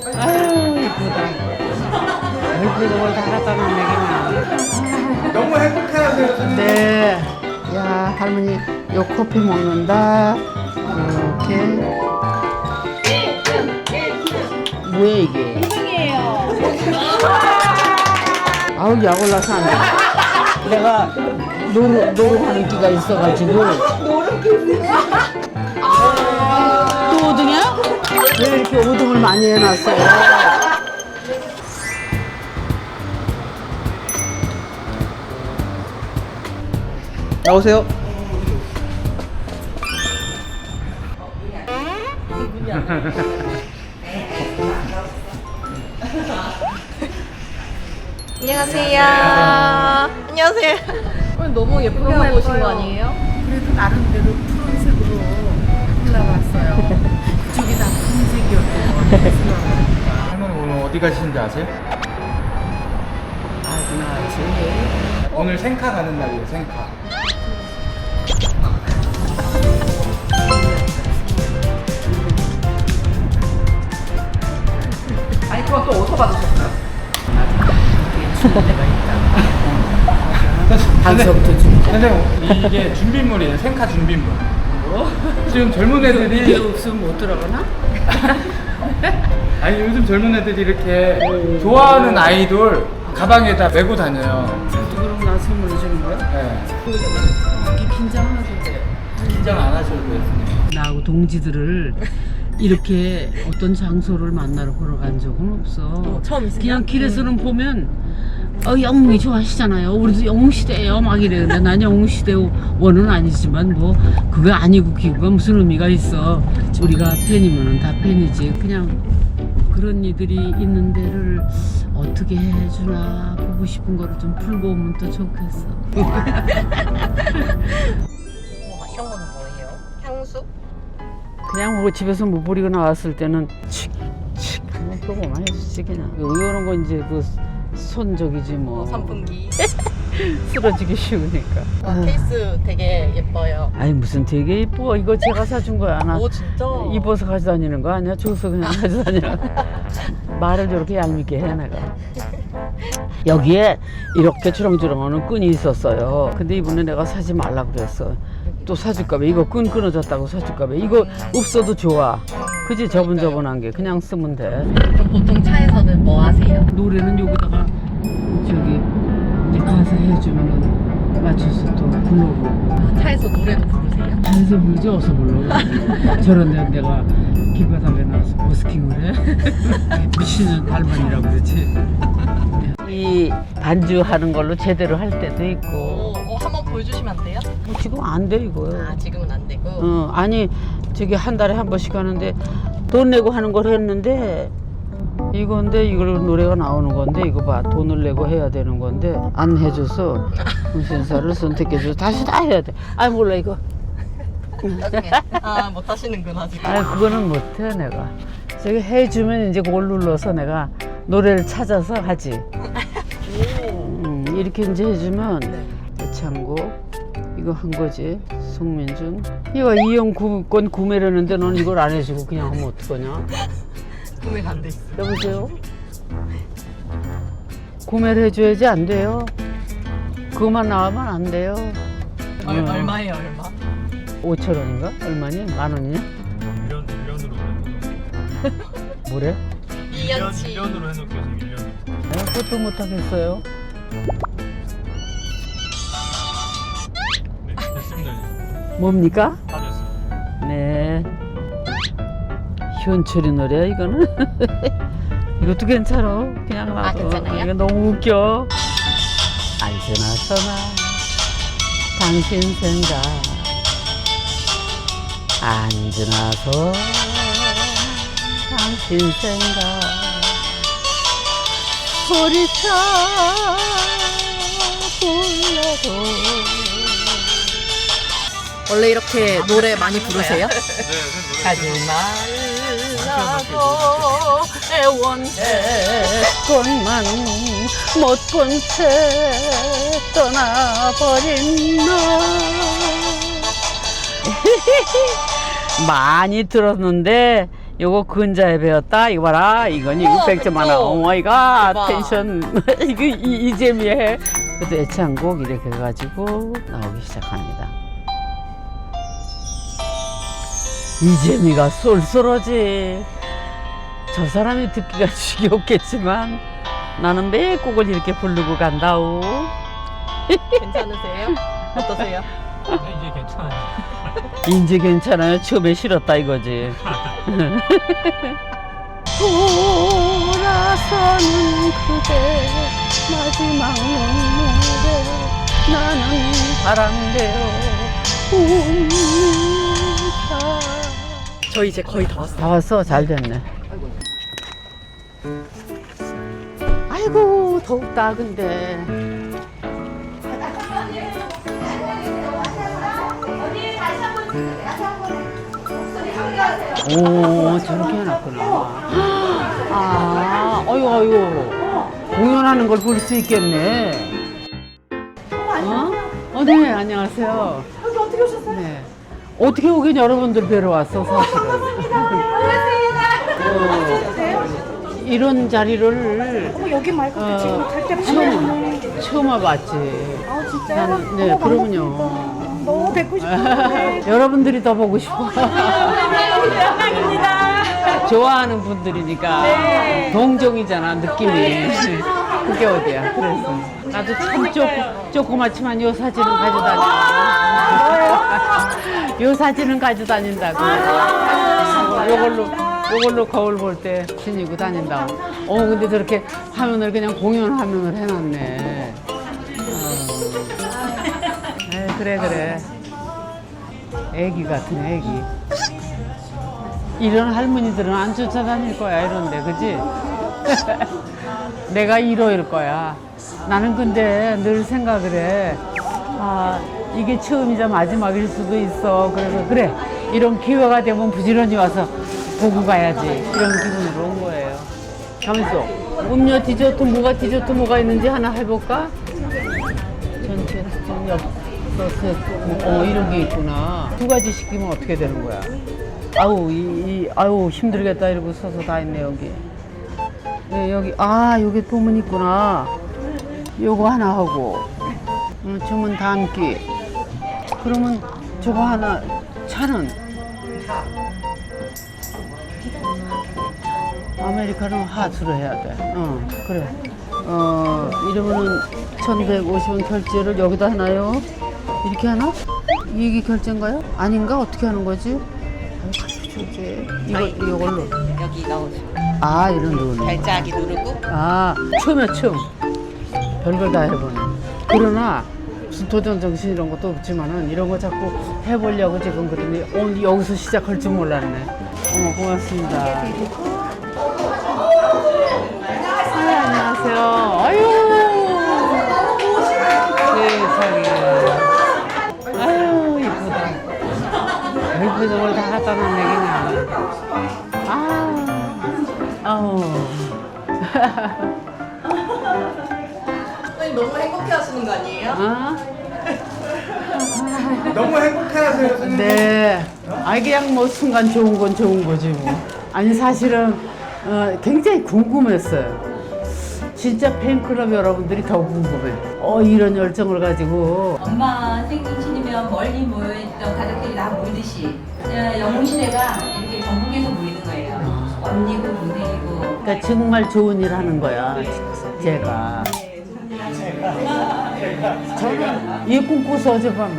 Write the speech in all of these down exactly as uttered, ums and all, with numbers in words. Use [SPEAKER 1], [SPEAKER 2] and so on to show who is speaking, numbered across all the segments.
[SPEAKER 1] 아유 이쁘다. 이쁘다 뭘다 갖다 놨네.
[SPEAKER 2] 너무 행복해하세요, 선생님.
[SPEAKER 1] 네. 야 할머니 요 커피 먹는다. 이렇게. 뭐야 이게?
[SPEAKER 3] 이승이에요.
[SPEAKER 1] 아우 약 올라서 안 돼. 내가 노루 노루하는 기가 있어가지고. 또 오등이야? 왜 이렇게 오등을 많이 해놨어?
[SPEAKER 2] 나오세요.
[SPEAKER 3] 안녕하세요. 안녕하세요. 오늘 너무 예쁘게 하고 오신 거 아니에요?
[SPEAKER 1] 그래도 나름대로 푸른색으로 올라왔어요. 그쪽이 다 푸른색이었고.
[SPEAKER 2] 할머니 오늘 어디 가시는지 아세요?
[SPEAKER 1] 아구나,
[SPEAKER 2] 오늘 생카 가는 날이에요, 생카.
[SPEAKER 3] 아니 그건 또 어디서 받으셨어요?
[SPEAKER 1] 단서부터 좀.
[SPEAKER 2] 선생님, 이게 준비물이에요, 생카 준비물. 지금 젊은
[SPEAKER 1] 이게
[SPEAKER 2] 애들이
[SPEAKER 1] 없으면 못 들어가나?
[SPEAKER 2] 아니 요즘 젊은 애들이 이렇게 좋아하는 아이돌 가방에다 메고 다녀요.
[SPEAKER 1] 그럼 나 선물 주는 거야?
[SPEAKER 2] 네.
[SPEAKER 1] 이렇게 긴장하셔도 돼.
[SPEAKER 2] 긴장 안 하셔도 돼요, 선생님.
[SPEAKER 1] 나하고 동지들을 이렇게 어떤 장소를 만나러 보러 간 적은 없어.
[SPEAKER 3] 어, 처음이세요?
[SPEAKER 1] 그냥 길에서는 보면 어, 영웅이 좋아하시잖아요. 우리도 영웅시대예요 막 이래. 근데 난 영웅시대 원은 아니지만 뭐 그거 아니고 기구가 무슨 의미가 있어. 우리가 팬이면은 다 팬이지. 그냥 그런 이들이 있는 데를 어떻게 해주나 보고 싶은 거를 좀 풀고 오면 또 좋겠어.
[SPEAKER 3] 우와, 이런 거는 뭐예요? 향수?
[SPEAKER 1] 그냥 뭐 집에서 못 버리고 나왔을 때는 칙칙 하면 그거만 해주지 그냥. 이런 거 이제 그 손적이지 뭐.
[SPEAKER 3] 어, 선풍기.
[SPEAKER 1] 쓰러지기 쉬우니까.
[SPEAKER 3] 와, 케이스 되게 예뻐요.
[SPEAKER 1] 아니 무슨 되게 이뻐. 이거 제가 사준 거야. 나
[SPEAKER 3] 오 진짜?
[SPEAKER 1] 입어서 가져다니는 거 아니야? 줘서 그냥 가져다니는 거. 말을 저렇게 얄밉게 해 내가. 여기에 이렇게 주렁주렁하는 끈이 있었어요. 근데 이번에 내가 사지 말라고 그랬어. 또 사줄까 봐. 이거 끈 끊어졌다고 사줄까 봐. 이거 없어도 좋아. 그지? 저분저분한 게 그냥 쓰면 돼.
[SPEAKER 3] 그럼 보통 차에서는 뭐 하세요?
[SPEAKER 1] 노래는 여기다가 저기 이제 가사 해주면은 맞춰서 또 불러고.
[SPEAKER 3] 아, 차에서 노래도 부르세요?
[SPEAKER 1] 단서 부르지 어서 불러. 저런 데 내가 길바닥에 나와서 버스킹을 해. 미친년 달만이라고 그러지. 이 반주하는 걸로 제대로 할 때도 있고.
[SPEAKER 3] 오, 어, 한번 보여주시면 안 돼요?
[SPEAKER 1] 뭐 지금 안 돼 이거.
[SPEAKER 3] 아 지금은 안 되고.
[SPEAKER 1] 어, 아니 저기 한 달에 한 번씩 하는데 돈 내고 하는 걸 했는데 이건데 이걸 노래가 나오는 건데 이거 봐 돈을 내고 해야 되는 건데 안 해줘서 신사를 선택해줘서 다시 다 해야 돼. 아 몰라 이거.
[SPEAKER 3] 나중에. 아 못하시는구나 지금.
[SPEAKER 1] 아 그거는 못해 내가. 저기 해주면 이제 그걸 눌러서 내가 노래를 찾아서 하지. 음, 이렇게 이제 해주면 애창곡 이거 한 거지. 송민준 이거 이형 건 구매를 했는데 넌 이걸 안 해주고 그냥 하면 어떡하냐.
[SPEAKER 3] 구매가 안 돼 있어.
[SPEAKER 1] 여보세요? 구매를 해줘야지 안 돼요. 그것만 나오면 안 돼요.
[SPEAKER 3] 얼,
[SPEAKER 1] 어.
[SPEAKER 3] 얼마예요 얼마?
[SPEAKER 1] 오천 원인가? 얼마니? 만 원이냐?
[SPEAKER 4] 일 년, 일 년으로 해놓고
[SPEAKER 1] 뭐래?
[SPEAKER 3] 이 년치.
[SPEAKER 4] 일 년으로 해놓게요. 일 년.
[SPEAKER 1] 내가 그것도 못하겠어요.
[SPEAKER 4] 네, 됐습니다. 이제.
[SPEAKER 1] 뭡니까?
[SPEAKER 4] 다 됐습니다.
[SPEAKER 1] 네. 현철이 노래야 이거는. 이것도 괜찮아. 그냥
[SPEAKER 3] 아,
[SPEAKER 1] 나도.
[SPEAKER 3] 괜찮아요?
[SPEAKER 1] 이거 너무 웃겨. 언제나 서나 당신 생각 앉으나서 당신 생각 소리쳐 불러도.
[SPEAKER 3] 원래 이렇게 노래 많이 부르세요?
[SPEAKER 4] 네, 네,
[SPEAKER 3] 가지 말라고
[SPEAKER 1] 애원했건만 못 본 채 떠나버린 너. 많이 들었는데 요거 근자에 배웠다. 이거 봐라. 이건
[SPEAKER 3] 우와,
[SPEAKER 1] 육백 점 하나.
[SPEAKER 3] 그쵸?
[SPEAKER 1] 오 마이 갓.
[SPEAKER 3] 대박.
[SPEAKER 1] 텐션. 이거 이, 이 재미에. 그래도 애창곡 이렇게 해가지고 나오기 시작합니다. 이재미가 쏠쏠하지. 저 사람이 듣기가 지겹겠지만 나는 매 곡을 이렇게 부르고 간다오.
[SPEAKER 3] 괜찮으세요? 어떠세요?
[SPEAKER 4] 이제 괜찮아요.
[SPEAKER 1] 이제 괜찮아요. 처음에 싫었다 이거지. 돌아서는 그대 마지막 눈물에 나는 바람대요.
[SPEAKER 3] 저 이제 거의 다 왔어요.
[SPEAKER 1] 다 왔어. 잘 됐네. 아이고 더욱다 근데. 오 저렇게 해놨구나. 아 어이구 어이구 공연하는 걸 볼 수 있겠네. 어? 어, 네 안녕하세요.
[SPEAKER 3] 여기 어떻게 오셨어요?
[SPEAKER 1] 네. 어떻게 오긴 여러분들 뵈러 왔어 사실은. 어, 이런 자리를
[SPEAKER 5] 어머 여기 말고
[SPEAKER 1] 어,
[SPEAKER 5] 지금 갈 때마다
[SPEAKER 1] 처음 처음 와봤지.
[SPEAKER 5] 아 진짜요?
[SPEAKER 1] 난, 네
[SPEAKER 5] 어머,
[SPEAKER 1] 그러면요.
[SPEAKER 5] 반갑습니다. 너무 뵙고 싶었는데
[SPEAKER 1] 여러분들이 더 보고 싶어.
[SPEAKER 5] 영광입니다.
[SPEAKER 1] 좋아하는 분들이니까
[SPEAKER 5] 네.
[SPEAKER 1] 동정이잖아 느낌이. 그게 어디야? 그래서 나도 참 쪼, 조그맣지만 요 사진은 가지고 다닌다. 요 사진은 가지고 다닌다고. 요걸로 요걸로 거울 볼 때 지니고 다닌다고. 어 근데 저렇게 화면을 그냥 공연 화면을 해놨네. 에이, 그래 그래 애기 같은 애기. 이런 할머니들은 안 쫓아다닐 거야 이런데 그지? 내가 일 호일 거야. 나는 근데 늘 생각을 해. 아 이게 처음이자 마지막일 수도 있어. 그래서 그래 이런 기회가 되면 부지런히 와서 보고 가야지 이런 기분으로 온 거예요. 가만있어. 음료 디저트 뭐가 디저트 뭐가 있는지 하나 해볼까? 전체 엽 소스 어 이런 게 있구나. 두 가지 시키면 어떻게 되는 거야? 아우 이, 이 아우 힘들겠다 이러고 서서 다 있네 여기. 네, 여기 아 여기 보면 있구나. 요거 하나 하고 음, 주문 담기. 그러면 저거 하나 차는 아메리카노 핫으로 해야 돼. 어 그래. 어 이러면은 천백오십 원 결제를 여기다 하나요? 이렇게 하나? 이게 결제인가요? 아닌가? 어떻게 하는 거지? 아유, 결제. 이거 이걸로.
[SPEAKER 3] 여기 넣으세요.
[SPEAKER 1] 아 이런 거.
[SPEAKER 3] 발자기 누르고.
[SPEAKER 1] 아 춤이야 춤. 별걸 다 해보네. 그러나 무슨 도전 정신 이런 것도 없지만은 이런 거 자꾸 해보려고 지금 그러더니 오늘 여기서 시작할 줄 몰랐네. 어머 고맙습니다. 아, 안녕하세요. 아유 세상에. 아유 이쁘다. 이쁜 걸 다 갖다 놓은 얘기냐. 아 아우.
[SPEAKER 3] 선생님 너무 행복해 하시는 거 아니에요?
[SPEAKER 1] 어?
[SPEAKER 2] 너무 행복해하세요, 선생님.
[SPEAKER 1] 네. 아 그냥 뭐 순간 좋은 건 좋은 거지 뭐. 아니 사실은 어, 굉장히 궁금했어요. 진짜 팬클럽 여러분들이 더 궁금해. 어 이런 열정을 가지고.
[SPEAKER 6] 엄마 생신이면 멀리 모여있던 가족들이 다 모이듯이 영웅시대가 이렇게 전국에서 모이는 거예요. 언니고 동생이고.
[SPEAKER 1] 그러니까 정말 좋은 일 하는 거야. 제가. 저는 이 꿈꿔서 어젯밤에.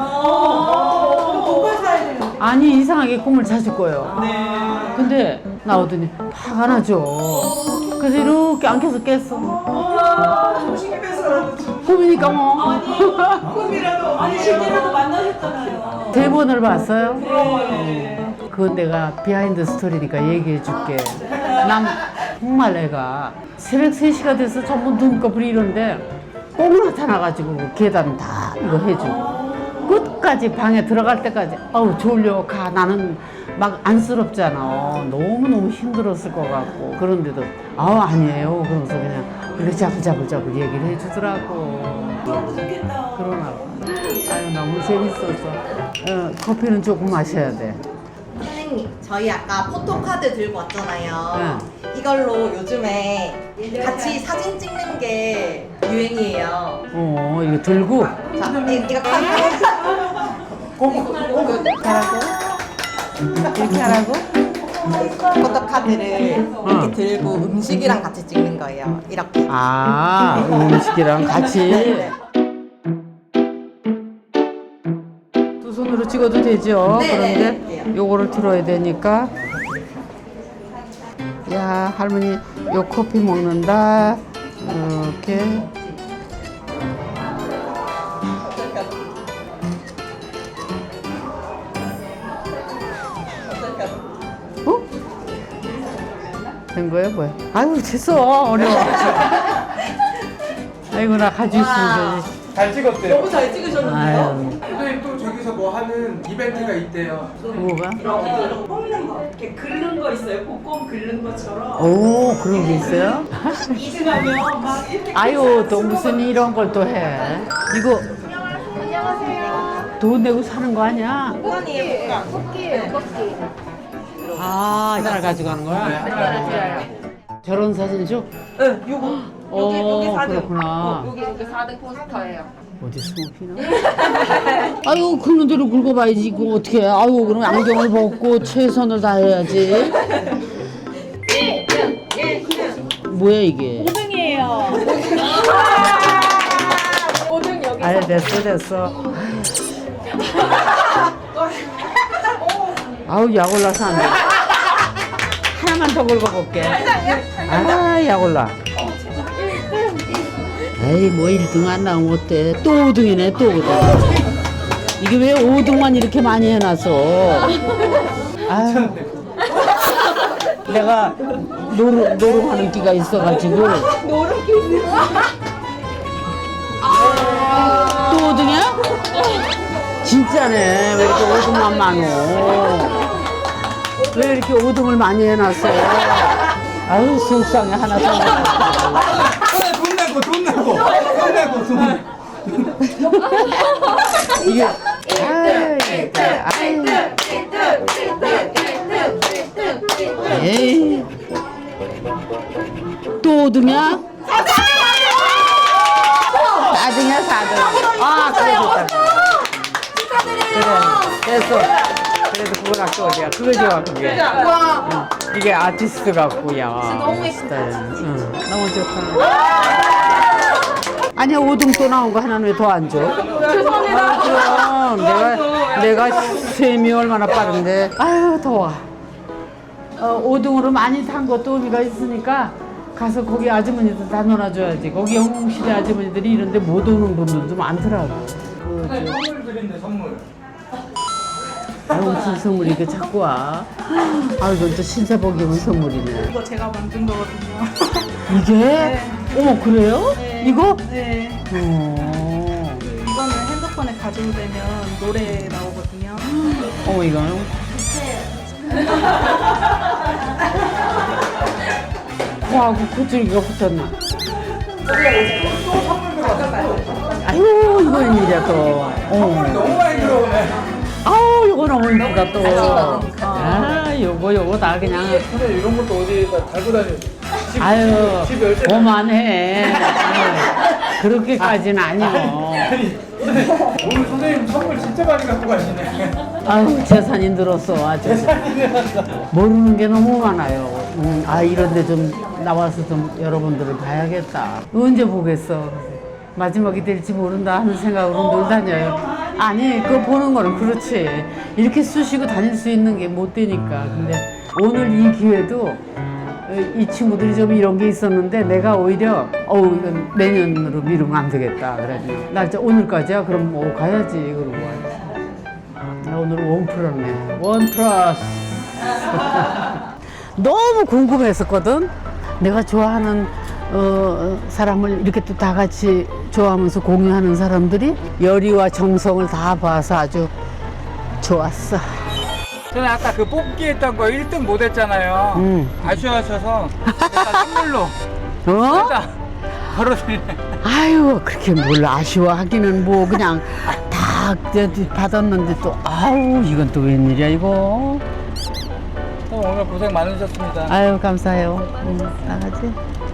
[SPEAKER 1] 아니 이상하게 꿈을 자주 꿔요. 근데 나오더니 화가 나죠. 그래서 이렇게 안겨서 깼어. 꿈이니까 뭐.
[SPEAKER 5] 꿈이라도 아니 실제로도 만나셨잖아요.
[SPEAKER 1] 세 번을 봤어요? 네. 그건 내가 비하인드 스토리니까 얘기해 줄게. 난 정말 내가 새벽 세 시가 돼서 전부 눈꺼풀이 이런데 꼭 나타나가지고 그 계단 다 이거 해주고 끝까지 방에 들어갈 때까지 아우 졸려 가. 나는 막 안쓰럽잖아. 너무너무 힘들었을 것 같고 그런데도 아우 아니에요 그러면서 그냥 그래 자글자글자글 얘기를 해주더라고. 그러나 봐. 아유 너무 재밌어서 어, 커피는 조금 마셔야 돼.
[SPEAKER 3] 선생님 저희 아까 포토카드 들고 왔잖아요. 이걸로 요즘에 같이 사진 찍는 게 유행이에요.
[SPEAKER 1] 어, 이거 들고.
[SPEAKER 3] 자, 이- 이거 카드.
[SPEAKER 1] 이렇게 하라고?
[SPEAKER 3] 포토카드를 이렇게 들고 음식이랑 같이 찍는 거예요. 이렇게.
[SPEAKER 1] 아, 음식이랑 같이. 두 손으로 찍어도 되죠?
[SPEAKER 3] 네,
[SPEAKER 1] 그런데
[SPEAKER 3] 네, 네.
[SPEAKER 1] 요거를 들어야 되니까. 야, 할머니 요 커피 먹는다. 이렇게. 어? 된 거야 뭐야? 아유 됐어 어려워. 아이고 나 가지고 있으면 되지.
[SPEAKER 2] 잘 찍었대요.
[SPEAKER 3] 너무 잘 찍으셨는데요?
[SPEAKER 1] 아유
[SPEAKER 2] 선생님 또 저기서 뭐 하는 이벤트가 있대요.
[SPEAKER 1] 뭐가?
[SPEAKER 5] 뽑는 거 이렇게 긁는 거 있어요. 복권 긁는 것처럼.
[SPEAKER 1] 오 그런 게 있어요?
[SPEAKER 5] 이 등하면 막 이렇게.
[SPEAKER 1] 아유 또 무슨 이런 걸 또 해? 이거 돈 내고 사는 거 아니야?
[SPEAKER 3] 복권이에요, 복권.
[SPEAKER 1] 아 이날 가지고 가는 거야? 결혼 사진 줘?
[SPEAKER 3] 응, 요거. 여기,
[SPEAKER 1] 어,
[SPEAKER 3] 여기 사진.
[SPEAKER 1] 그렇구나.
[SPEAKER 3] 여기, 여기 사 등 포스터예요.
[SPEAKER 1] 어디 숨어피나? 아유 긁는 대로 긁어봐야지 이거 어떻게 해? 아유 그럼 안경을 벗고 최선을 다해야지. 뭐야 이게?
[SPEAKER 5] 오등이에요. 오등 여기.
[SPEAKER 1] 아유 됐어 됐어. 아우 약 올라서 안 돼. 하나만 더 긁어볼게. 아 약 올라. 에이 뭐 일 등 안 나오면 어때? 또 오 등이네 또 오 등. 이게 왜 오 등만 이렇게 많이 해놨어? 아유, 내가 노름, 노름하는 끼가 있어가지고. 노름끼 또 오 등이야? 진짜네. 왜 이렇게 오 등만 많어? 왜 이렇게 오 등을 많이 해놨어? 아유 속상해 하나 더.
[SPEAKER 2] 돈 내고 돈 내고 돈 내고 돈.
[SPEAKER 1] 이게 아유, 진짜, 아유. 에이 또 오 등이야? 사 등이야 사 등. 아 그래 좋다. 그래 됐어. 그래도 그거 갖고 어디야? 그거 좋아 그게. 응. 이게 아티스트 같고야. 너무 멋있다. 응. 너무 좋다. 아니야 오 등 또 나온 거 하나는 왜 더 안 줘? 죄송합니다. 그럼 내가 내가 셈이 얼마나 빠른데. 아유 더워. 어, 오 등으로 많이 탄 것도 의미가 있으니까 가서 거기 아주머니들 다 놀아줘야지. 거기 영웅시대 아주머니들이 이런데 못 오는 분들도 많더라고. 그, 저,
[SPEAKER 2] 선물 드린대 선물.
[SPEAKER 1] 아유 무슨 선물이 이렇게 자꾸 와. 아 이건 또 신사복 입은 선물이네.
[SPEAKER 5] 이거 제가 만든 거거든요.
[SPEAKER 1] 이게? 어머 그래요? 이거?
[SPEAKER 5] 네.
[SPEAKER 1] 어.
[SPEAKER 5] 이거는 핸드폰에 가지고 되면 노래 나오거든요.
[SPEAKER 1] 어머 이거는? 와, 그 고줄기가 붙었네. 아유, 이거 웬일이야 또. 어.
[SPEAKER 2] 너무 많이 들어오네.
[SPEAKER 1] 아우, 이거 너무 이쁘다 또. 아, 요거 요거 다 그냥.
[SPEAKER 2] 근데 이런 것도 어디다 달고 다니지? 집,
[SPEAKER 1] 아유,
[SPEAKER 2] 집 열쇠.
[SPEAKER 1] 그만해. 그렇게까지는 아니고.
[SPEAKER 2] 아니, 오늘 선생님 선물 진짜 많이 갖고 가시네.
[SPEAKER 1] 아유, 재산이 늘었어, 아주. 모르는 게 너무 많아요. 음, 아, 이런데 좀 나와서 좀 여러분들을 봐야겠다. 언제 보겠어. 마지막이 될지 모른다 하는 생각으로 늘 다녀요. 아니, 그거 보는 거는 그렇지. 이렇게 쑤시고 다닐 수 있는 게 못 되니까. 근데 오늘 이 기회도 이 친구들이 좀 이런 게 있었는데 내가 오히려 어우 이건 내년으로 미루면 안 되겠다 그래가지고 날짜 오늘까지야 그럼 뭐 가야지 그러고 와야지. 나 오늘 원 플러스네. 원 플러스. 너무 궁금했었거든. 내가 좋아하는 어, 사람을 이렇게 또 다 같이 좋아하면서 공유하는 사람들이 열의와 정성을 다 봐서 아주 좋았어.
[SPEAKER 2] 저는 아까 그 뽑기 했던 거 일 등 못 했잖아요.
[SPEAKER 1] 음.
[SPEAKER 2] 아쉬워하셔서 일단 선물로
[SPEAKER 1] 어?
[SPEAKER 2] 일단 바로 드리네.
[SPEAKER 1] 아유 그렇게 뭘 아쉬워하기는 뭐 그냥 다 받았는데 또 아우 이건 또 웬일이야 이거.
[SPEAKER 2] 오늘 고생 많으셨습니다.
[SPEAKER 1] 아유 감사해요. 응, 나가지.